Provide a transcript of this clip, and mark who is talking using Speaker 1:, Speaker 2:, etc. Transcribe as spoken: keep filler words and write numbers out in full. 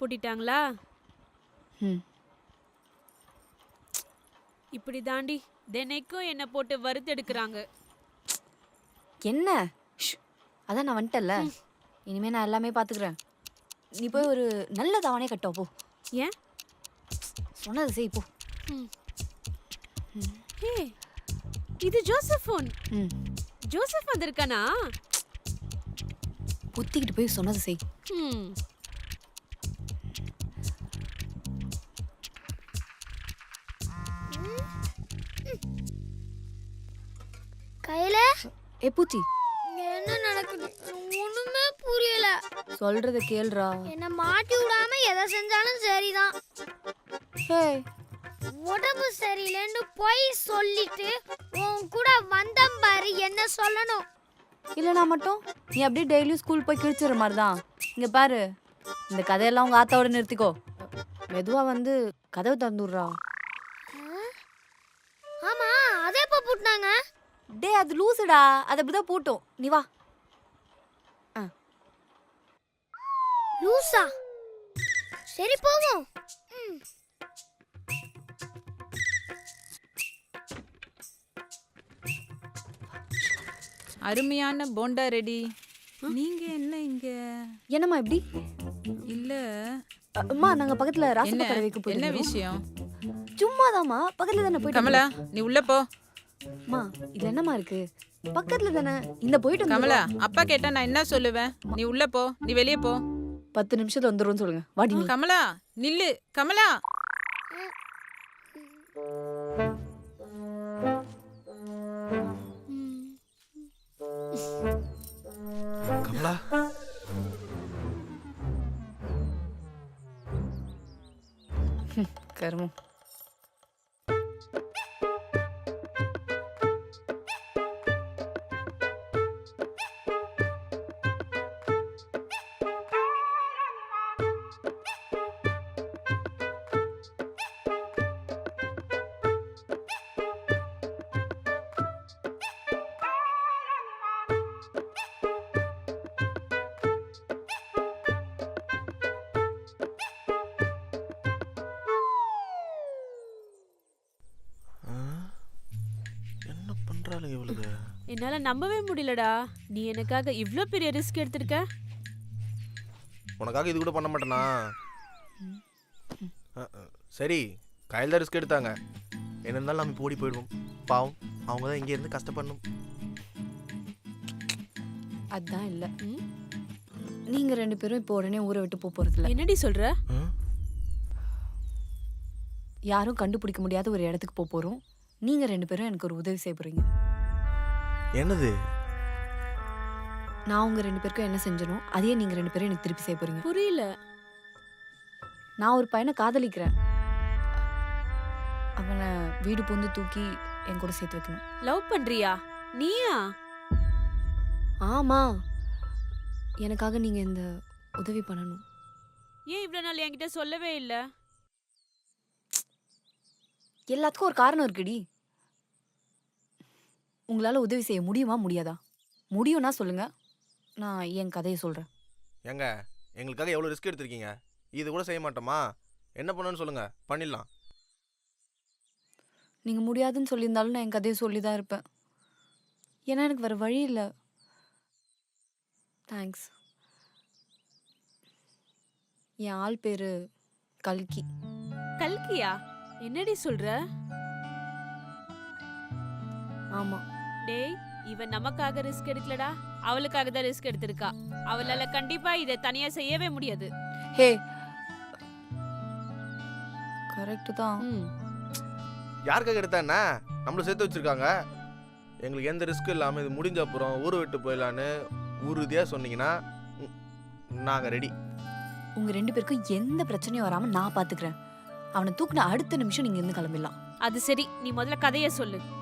Speaker 1: பூட்டிட்டாங்களா?
Speaker 2: ம்
Speaker 1: இப்படி தாண்டி தினைக்கும் என்ன போட்டு வறுத்தெடுக்கிறாங்க.
Speaker 2: என்ன ஷ், அதான் நான் வந்துட்டேன்ல. இனிமே நான் எல்லாமே பார்த்துக்கிறேன். நீ போய் ஒரு நல்ல தவணை கட்டோ போ.
Speaker 1: ஏன்?
Speaker 2: சொன்னது செய் போ.
Speaker 1: ஹே, இது ஜோசப் ஃபோன்.
Speaker 2: ம்
Speaker 1: ஜோசப் வந்திருக்கானா?
Speaker 2: புத்திக்கிட்டு போய் சொன்னது செய்.
Speaker 1: ம்
Speaker 3: கையில
Speaker 2: ஏ பூச்சி,
Speaker 3: என்ன நடக்குது ஒண்ணுமே புரியல.
Speaker 2: சொல்றத கேளுடா.
Speaker 3: என்ன மாட்டி விடாம எதை செஞ்சாலும் சரிதான்.
Speaker 2: ஹே,
Speaker 3: உடம்பு சரியில்லைன்னு போய் சொல்லிட்டு உன் கூட வந்தம் பாரு, என்ன சொல்லணும்.
Speaker 2: இல்லைனா மட்டும் நீ அப்படியே டெய்லியும் ஸ்கூல் போய் கிழிச்சிடுற மாதிரி தான். இங்கே பாரு, இந்த கதையெல்லாம் உங்கள் ஆத்தாவோட நிறுத்திக்கோ. மெதுவாக வந்து கதவை திறந்துடுறா.
Speaker 3: ஆமா, அதே எப்ப பூட்டினாங்க?
Speaker 2: டே, அது லூசுடா, அது அப்படிதான் பூட்டும். நீ வா. ஆ
Speaker 3: லூசா? சரி போவோம். ம்.
Speaker 4: அருமையான போண்டா ரெடி. நீங்க என்ன இங்க?
Speaker 2: என்னம்மா இப்படி?
Speaker 4: இல்ல
Speaker 2: அ, அம்மா நாங்க பக்கத்துல ராசப்ப
Speaker 4: என்ன
Speaker 2: கடை வைக்க
Speaker 4: என்ன
Speaker 2: போறோம்.
Speaker 4: விஷயம்?
Speaker 2: சும்மாதாம்மா, பக்கத்துல தானே போயிட்டு
Speaker 4: கமலா, நீ உள்ள போ.
Speaker 2: அம்மா, இதுல என்னம்மா இருக்கு? பக்கத்துல தானே. இந்த போயிட்டு
Speaker 4: கமலா,
Speaker 2: வந்துடுவா.
Speaker 4: அப்பா கேட்டா நான் என்ன சொல்லுவேன்? நீ உள்ள போ, நீ வெளியே போ.
Speaker 2: பத்து நிமிஷத்துல வந்துரும்னு சொல்லுங்க. வாடி நீ.
Speaker 4: கமலா நில்லு. கமலா,
Speaker 5: கமலா,
Speaker 2: கருமம்.
Speaker 5: என்ன பண்றாளுங்க இவளுக்கு?
Speaker 1: என்னால நம்பவே முடியலடா. நீ எனக்காக இவ்ளோ பெரிய ரிஸ்க் எடுத்திருக்க.
Speaker 5: உனக்காக இது கூட பண்ண மாட்டேனா? அஹ், அஹ், சரி, கையில் தான் ரிஸ்க் எடுத்தாங்க. என்ன இருந்தாலும் நம்ம இப்போ ஓடி போயிடுவோம். பாவம், அவங்க தான் இங்கே இருந்து கஷ்டப்படணும்.
Speaker 2: அதான் இல்ல.
Speaker 1: ம்?
Speaker 2: நீங்க ரெண்டு பேரும் இப்போ உடனே ஊரை விட்டு போக போறதில்ல.
Speaker 1: என்னடி சொல்ற?
Speaker 5: ம்?
Speaker 2: யாரும் கண்டுபிடிக்க முடியாத ஒரு இடத்துக்கு போக போறோம். நீங்க ரெண்டு பேரும் எனக்கு ஒரு உதவி செய்ய போறீங்க.
Speaker 5: என்னது?
Speaker 2: நான் உங்க ரெண்டு பேருக்கும் என்ன செஞ்சனோ அதையே நீங்க ரெண்டு பேரும் எனக்கு திருப்பி செய்ய போறீங்க.
Speaker 1: புரியல.
Speaker 2: நான் ஒரு பையனை காதலிக்கிறேன். அவனை வீடு பூந்து தூக்கி என் கூட சேர்த்து வைக்கணும்.
Speaker 1: லவ் பண்றியா? நீயா?
Speaker 2: ஆமா, எனக்காக நீங்க இந்த உதவி பண்ணணும்.
Speaker 1: ஏன் இவ்ளோ நாள் என்கிட்ட சொல்லவே இல்ல?
Speaker 2: எல்லாத்துக்கும் ஒரு காரணம் இருக்குடி. உங்களால உதவி செய்ய முடியுமா முடியாதா? முடியும்னா சொல்லுங்க, நான் என் கதையை சொல்றேன்.
Speaker 5: ஏங்க, எங்களுக்காக எவ்வளோ ரிஸ்க் எடுத்திருக்கீங்க. இது கூட செய்ய மாட்டோமா? என்ன பண்ணணும்னு சொல்லுங்க, பண்ணிடலாம்.
Speaker 2: நீங்க முடியாதுன்னு சொல்லியிருந்தாலும் நான் என் கதையை சொல்லி தான் இருப்பேன். ஏன்னா எனக்கு வேற வழி இல்லை. தேங்க்ஸ். என் ஆள் பேரு கல்கி.
Speaker 1: கல்கியா? என்னடி சொல்ற?
Speaker 2: ஆமா,
Speaker 1: டேய், இவன் நமக்காக ரிஸ்க் எடுக்கலடா, அவளுக்காக தான் ரிஸ்க் எடுத்திருக்கா. அவளால கண்டிப்பா இதை தனியா செய்யவே முடியாது.
Speaker 2: ஹே, கரெக்டு தான்.
Speaker 1: ம்.
Speaker 5: யாருக்காக எடுத்தா என்ன? நம்மள சேர்த்து வச்சிருக்காங்க. எங்களுக்கு எந்த ரிஸ்க்கும் இல்லாமல் இது முடிஞ்ச அப்புறம் ஊரை விட்டு போயிடலான்னு உறுதியாக சொன்னீங்கன்னா நாங்கள் ரெடி.
Speaker 2: உங்க ரெண்டு பேருக்கும் எந்த பிரச்சனையும் வராம நான் பாத்துக்கிறேன். அவனை தூக்குன அடுத்த நிமிஷம் நீங்க இருந்து கிளம்பிடலாம்.
Speaker 1: அது சரி, நீ முதல்ல கதைய சொல்லு.